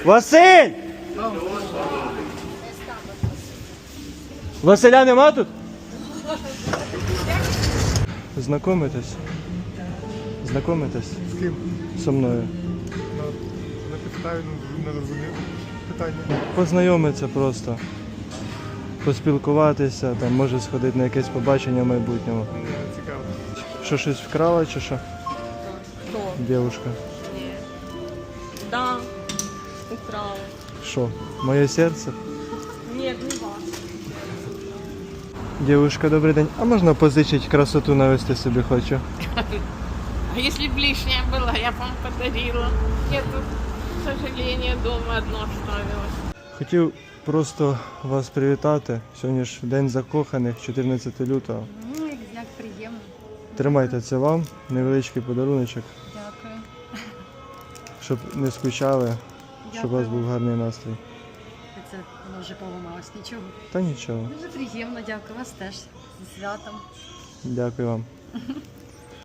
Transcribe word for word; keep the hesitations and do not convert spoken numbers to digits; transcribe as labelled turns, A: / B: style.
A: Василь! Василя нема тут? Знакомитесь? Знакомитесь?
B: З ким?
A: Со мною.
B: На, на підставі не розумію питання.
A: Познайомитися просто. Поспілкуватися, там, може сходити на якесь побачення в майбутньому.
B: Мені не цікаво.
A: Що, щось вкрала чи що?
C: Кто?
A: Дівушка.
C: Нет. Да, украл.
A: Що? Моє серце?
C: Нет, не вас.
A: Дівушка, добрий день. А можна позичити красоту навести собі хочу?
D: А если бы лишняя была, я бы вам подарила. Я тут, к сожалению, дома одно оставилась.
A: Хотів просто вас привітати. Сьогодні ж День закоханих, чотирнадцяте лютого.
E: Ну, як приємно.
A: Тримайте це вам, невеличкий подаруночок,
E: Дякую.
A: щоб не скучали, щоб у вас був гарний настрій.
E: Це воно вже поламалось, нічого.
A: Та нічого.
E: Дуже приємно, дякую вас теж. Зі святом.
A: Дякую вам.